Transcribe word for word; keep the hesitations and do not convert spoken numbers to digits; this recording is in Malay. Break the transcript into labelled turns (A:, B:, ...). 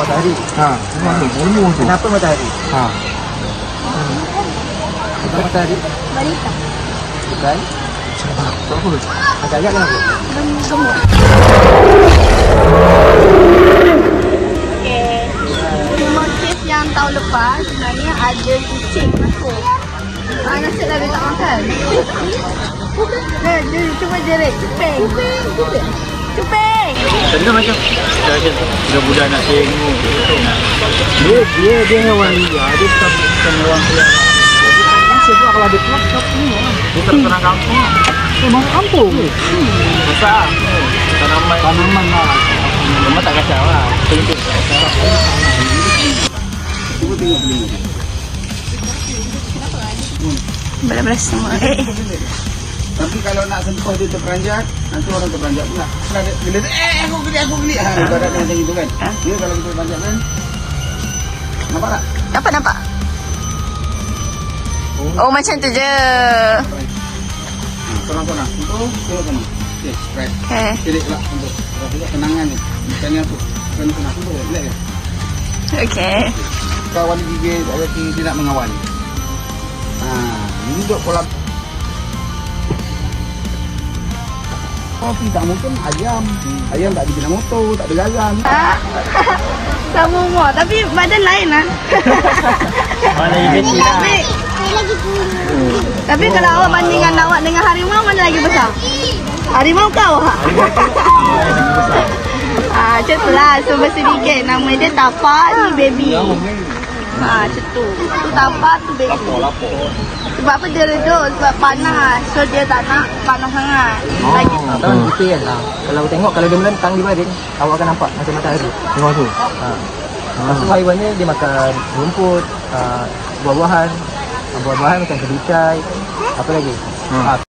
A: matahari.
B: Ha, ni ilmu tu.
A: Kenapa matahari?
B: Ha.
A: Kenapa matahari?
C: Balita.
A: Bukan.
B: Apa?
A: Agak agak kenapa?
C: Gemuk. Okey. Motif yang tahun lepas sebenarnya ada kucing masuk. Ah, nasib dah dia tak makan. Nah, dia cuba jerit. Cuping. Cuping. Cuping. Cuping.
A: Tadi macam budak-budak nak tengok.
B: Dia dia dia hewan liar, dia bukan bukan hewan peliharaan. Sebab kalau dia keluar tak tengok.
A: Dia terserang kampung.
B: Memang kampung.
A: Besar. Tanaman.
B: Tanaman lah.
A: Memang tak kacau lah. Tunjuk.
B: Cuba tengok beli.
C: Belas-belas semua. Eh.
B: Tapi kalau nak sentuh dia terperanjat, nanti orang terperanjat pula. Kalau dia, bila dia, eh aku geli, aku geli. Ha, ibaratnya macam itu kan. Dia kalau kita terperanjat kan. Nampak tak?
C: Nampak nampak. Oh, macam tu je.
B: Ha, sorang-sorang. Untuk tengok sana. Okey, spread.
C: Okay.
B: Pilih pula untuk untuk kenangan ni. Bukannya apa? Bukan kenang tu. Relax je.
C: Okay.
B: Kawan gigit, ada dia nak mengawal. Ha, ini duduk kolam. Tapi tak mungkin ayam. Ayam tak ada bina motor, tak ada garam.
C: Sama umur. Tapi badan lain lah.
A: Mana lagi kecil lah.
C: Tapi, tapi kalau awak bandingkan awak dengan harimau, mana lagi besar? Harimau kau? Ah, macam tu lah. So bersedikit. Nama dia tapak, ni baby. Ha, macam tu. Tu tapak, tu baby. Sebab apa dia redup? Sebab panas. So dia tak nak panas sangat. Lagi.
A: Tahu kita kan lah. Kalau tengok, kalau dia melentang di baring, awak akan nampak macam matahari.
B: Tengok tu.
A: Ha. Lepas tu haiwan ni dia makan rumput, uh, buah-buahan. Buah-buahan macam kebikai. Apa lagi?
B: Hmm.
A: Ha.